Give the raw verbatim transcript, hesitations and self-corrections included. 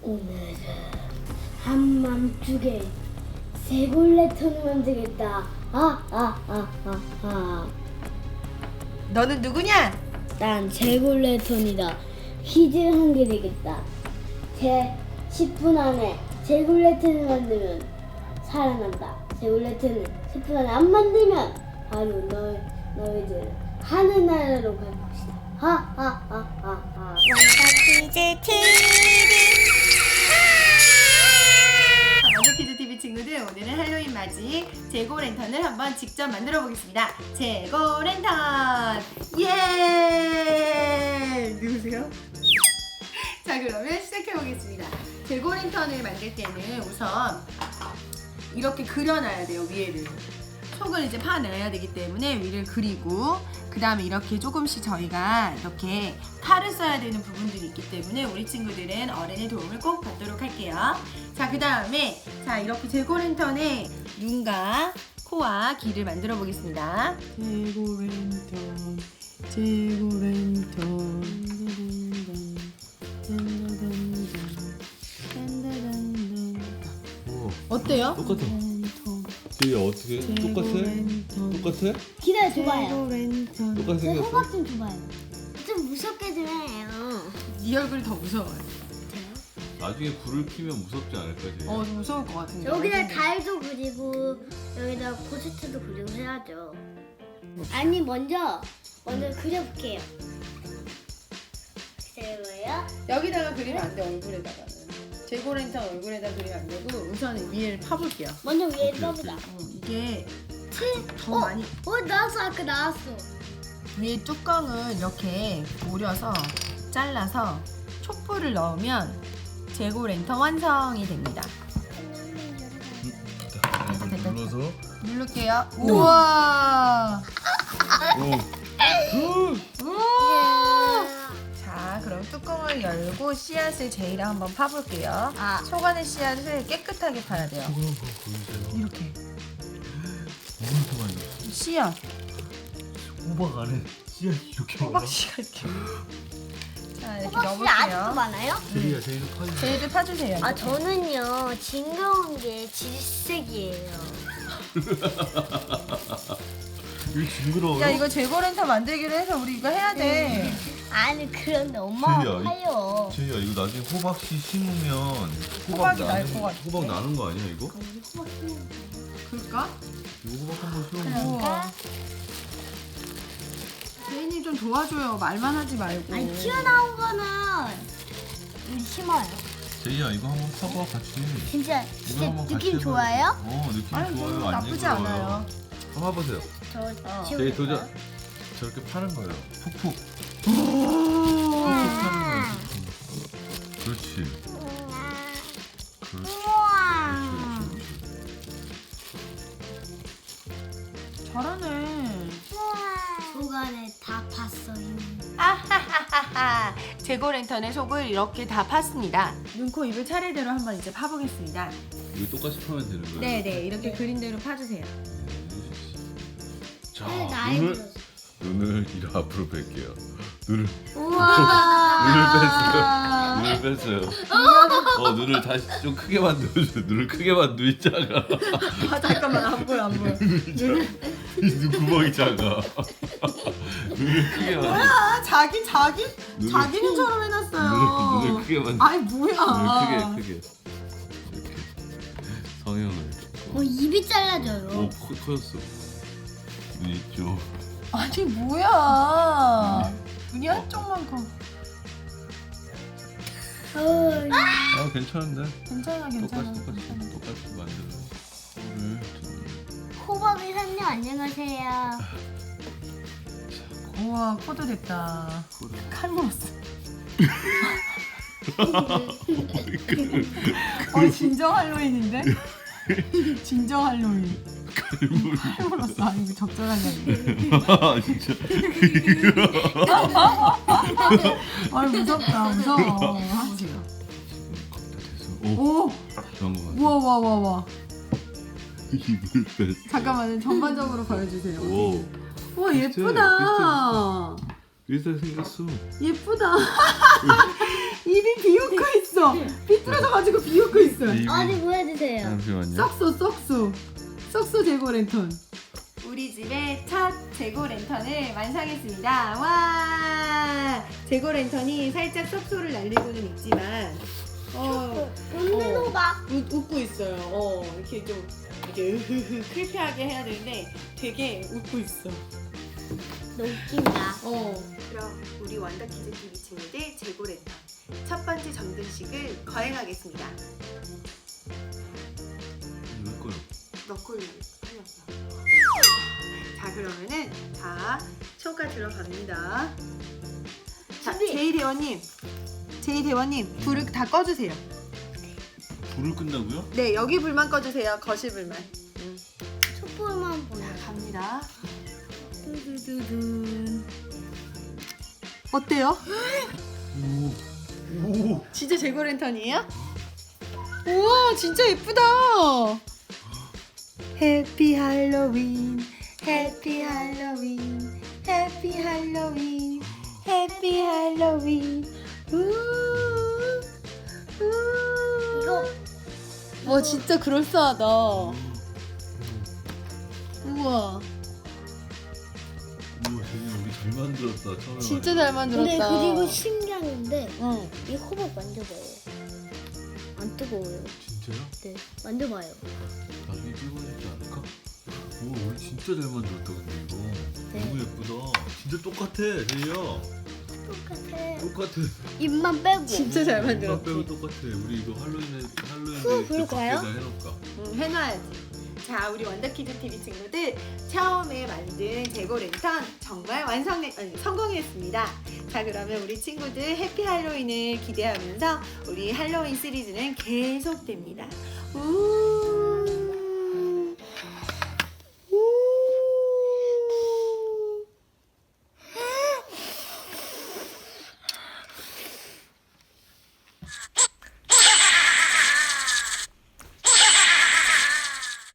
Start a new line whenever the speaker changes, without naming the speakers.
오늘은 한밤중에 세골레톤을 만들겠다. 아, 아, 아, 아, 아.
너는 누구냐?
난 제골레톤이다. 퀴즈 한 개 되겠다. 제 십 분 안에 제골레톤을 만들면 살아난다. 제골레톤을 십 분 안에 안 만들면 바로 너, 너희들 하늘나라로 갈 것이다. 하, 하, 하, 하, 하.
퀴즈 티비.
원더키즈티비 친구들, 오늘은 할로윈 맞이 재고랜턴을 한번 직접 만들어 보겠습니다. 재고랜턴! 예! 누구세요? 자, 그러면 시작해 보겠습니다. 재고랜턴을 만들 때는 우선 이렇게 그려놔야 돼요, 위에를. 속을 이제 파내야 되기 때문에 위를 그리고, 그 다음에 이렇게 조금씩 저희가 이렇게 칼을 써야 되는 부분들이 있기 때문에 우리 친구들은 어른의 도움을 꼭 받도록 할게요. 자, 그 다음에 자 이렇게 재고랜턴에 눈과 코와 귀를 만들어 보겠습니다. 재고랜턴, 재고랜턴.
오,
어때요?
똑같아. 제이야 어떻게? 똑같아? 똑같아?
기다려줘봐요.
똑같이
제
생겼어?
호박 좀 줘봐요. 좀 무섭게 좀 해요.
네 얼굴이 더 무서워요.
나중에 불을 켜면 무섭지 않을까 제이야?
어, 좀 무서울 것 같은데.
여기다 달도 그리고 여기다 포스트도 그리고 해야죠. 아니 먼저 먼저 그려볼게요. 기다려봐요.
여기다가 그리면 안 돼, 얼굴에다가는. 재고랜턴 얼굴에다 그리면 안 되고 우선은 위에를 파볼게요.
먼저 위에
오케이,
떠보자.
어, 이게 더
어?
많이
어 나왔어 아까 나왔어.
위에 뚜껑을 이렇게 오려서 잘라서 촛불을 넣으면 재고랜턴 완성이 됩니다.
자, 이걸 눌러서
누를게요. 우와!
오.
우와! 자, 그럼 뚜껑을 열고 씨앗을 제이랑 한번 파볼게요.
아.
속안의 씨앗을 깨끗하게 파야 돼요.
저거 한번 보여주세요.
이렇게
엄청 많이 넣었어.
씨앗,
호박 안에 씨앗 이렇게 많아?
호박 씨앗 이렇게. 자, 이렇게
혹시 아직도
넣어볼게요.
많아요?
제이야 제이도 파지.
제이도 파주세요.
아 저는요 징그러운 게 질색이에요.
이거 징그러워요?
야, 이거 재고랜턴 만들기로 해서 우리 이거 해야 돼.
아니 그런데 엄마가
제이야, 이-
파요.
제이야 이거 나중에 호박씨 심으면 호박
호박이 날
나는
것 같아.
호박 나는 거 아니야 이거?
그럴까?
이거 호박 한번 심으면
우와. 제이님 좀 도와줘요. 말만 하지 말고.
아니 튀어나온 거는 우리 심어요.
제이야 이거 한번 파봐 같이.
진짜
이거
진짜
한번 같이
느낌
해봐요.
좋아요?
어 느낌
아니,
좋아요.
뭐
안
나쁘지
징그러워요.
않아요.
한번 해보세요.
저
어.
지금
제이 도전. 저렇게 파는 거예요. 푹푹.
오.
푹푹 파는 거예요. 푹푹. 그렇지. 그렇지.
우와.
잘하네.
속안에 다 봤어요.
아하하하하. 재고랜턴의 속을 이렇게 다 팠습니다. 눈, 코, 입을 차례대로 한번 이제 파보겠습니다.
이거 똑같이 파면 되는 거예요?
네네, 이렇게 그린 대로 파주세요.
자,
네, 나이
눈을
들었어.
눈을 이리 앞으로 뺄게요. 눈을
우와.
눈을 뺐어요. 눈을 뺐어요. 어 눈을 다시 좀 크게 만들어줘. 눈을 크게 만들 작아.
아, 잠깐만, 안 보여, 안 보여.
눈 구멍이 작아. 눈을 크게 만들.
아, 자기, 자기?
눈을-
자기 눈처럼 해놨어요.
눈을, 눈을 크게 만들.
아니, 뭐야.
눈을 크게 크게. 이렇게 성형을.
어 입이 잘라져요.
오 커, 커졌어. 눈 있죠.
아니, 뭐야. 눈이 한쪽만 커.
어,
아 괜찮은데.
괜찮아, 괜찮아.
똑같이 똑같이 똑같이 만들어. 코를
호박이 선녀 안녕하세요.
우와, 코도 됐다.
코를.
칼 물었어. 어, 진정 할로윈인데? 진정 할로윈. 칼 물었어. 아니, 이거 적절한 게
아 진짜.
아니, 무섭다, 무서워. 하세요.
오.
오!
그런 거 같아.
우와, 와, 와, 와.
입을 뺐어.
잠깐만요, 전반적으로 보여주세요.
오.
우와,
비슷해,
예쁘다.
비슷하게 생겼어.
예쁘다. 입이 비웃고 있어. 있어. 삐뚤어져 가지고 비웃고 있어.
이-
어디 보여주세요.
잠시만요.
썩소 썩소 썩소 재고 랜턴. 우리 집의 첫 재고 랜턴을 완성했습니다. 와, 재고 랜턴이 살짝 썩소를 날리고는 있지만 어,
웃는
어.
호박.
웃, 웃고 있어요. 어, 이렇게 좀 이렇게 으흐흐 크리피하게 해야 되는데 되게 웃고 있어.
너무 웃긴다.
어. 그럼 우리 원더키즈 티비 친구들 재고 랜턴 첫 번째 점등식을 거행하겠습니다.
왜 거요?
너콜 흘렸어. 자, 그러면은 자 초가 들어갑니다. 자,
준비.
제이 대원님, 제이 대원님 불을 다 꺼주세요.
불을 끈다고요?
네, 여기 불만 꺼주세요. 거실 불만. 음.
촛불만 보여.
자, 갑니다. 두두두둔. 어때요?
오. 오.
진짜 재고 랜턴이에요? 우와, 진짜 예쁘다. 해피 할로윈, 해피 할로윈, 해피 할로윈, 해피 할로윈. 우. 우.
이거
와, 진짜 그럴싸하다. 우와,
우와, 되게 우리 잘 만들었다. 처음에.
진짜 잘 만들었다.
근데 그리고 신기한데
응.
이 호박 만져봐요. 안 뜨거워요.
진짜요?
네, 만져봐요.
나중에 찍어주지 않을까? 우와, 우리 진짜 잘 만들었다 근데 이거.
네.
너무 예쁘다. 진짜 똑같아, 제이야.
똑같아.
똑같아.
입만 빼고.
진짜 잘
엄마 빼고
만들었지.
똑같아. 우리 이거 할로윈에 할로윈
후,
데이 때
그럴까요?
밖에다 해놓을까?
응, 해놔야지. 자, 우리 원더키즈 티비 친구들 처음에 만든 재고 랜턴 정말 완성 아니, 성공했습니다. 자, 그러면 우리 친구들 해피 할로윈을 기대하면서 우리 할로윈 시리즈는 계속됩니다. 우. 우.